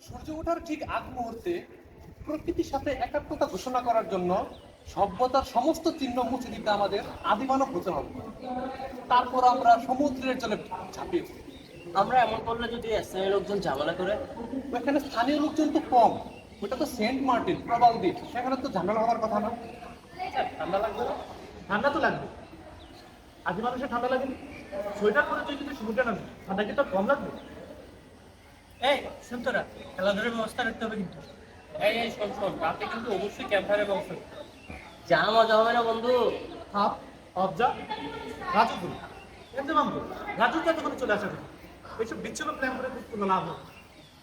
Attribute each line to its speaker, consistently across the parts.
Speaker 1: সূর্য ওঠার ঠিক আগ মুহূর্তে প্রকৃতির সাথে একাত্মতা ঘোষণা করার জন্য সভ্যতার সমস্ত চিহ্ন মুছে দিতে আমাদের আদিমানব হতে হবে। তারপর আমরা সমুদ্রের জলে ঝাঁপিয়ে পড়ি।
Speaker 2: আমরা এমন করলে যদি স্থানীয় লোকজন ঝামেলা করে?
Speaker 1: ওখানে স্থানীয় লোকজন তো কম, ওটা তো সেন্ট মার্টিন প্রবাল দ্বীপ, সেখানে তো ঝামেলা হওয়ার কথা না।
Speaker 3: ঠান্ডা লাগবে না? ঠান্ডা তো লাগবে। আদি মানুষের ঠান্ডা লাগে সোয়েটার পরে তুই যদি সমুদ্রে নামবি ঠান্ডা কি তোর কম লাগবে?
Speaker 4: এই শুন তোরা, খেলাধুলার ব্যবস্থা রাখতে হবে কিন্তু। এই শোন শোন, রাতে কিন্তু অবশ্যই ক্যাম্পারের ব্যবস্থা করতে হবে।
Speaker 2: যা মজা হবে না বন্ধু।
Speaker 3: হাফ অবজা রাজু করি এমনি মামু রাজু তো তখন চলে আসে এইসব বিচ্ছিন্ন প্ল্যান করে কোনো লাভ হবে না।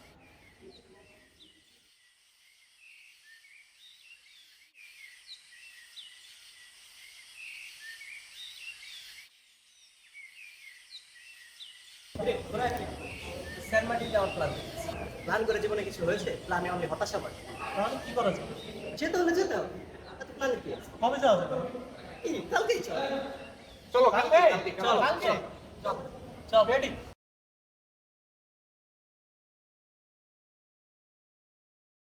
Speaker 2: সেন্ট মার্টিন যাওয়ার প্ল্যান। প্ল্যান করে জীবনে কিছু হয়েছে? প্ল্যানে অনেক হতাশা পায়।
Speaker 3: তাহলে কি করা যায়?
Speaker 2: যেতে হলে যেতে হবে। এত প্ল্যান কি আছে?
Speaker 3: কবে যাওয়া যাবে?
Speaker 2: এই কালকেই চল।
Speaker 1: চলো
Speaker 3: কালকে?
Speaker 1: কালকে
Speaker 2: চল
Speaker 3: কালকে?
Speaker 2: চল
Speaker 4: চল রেডি।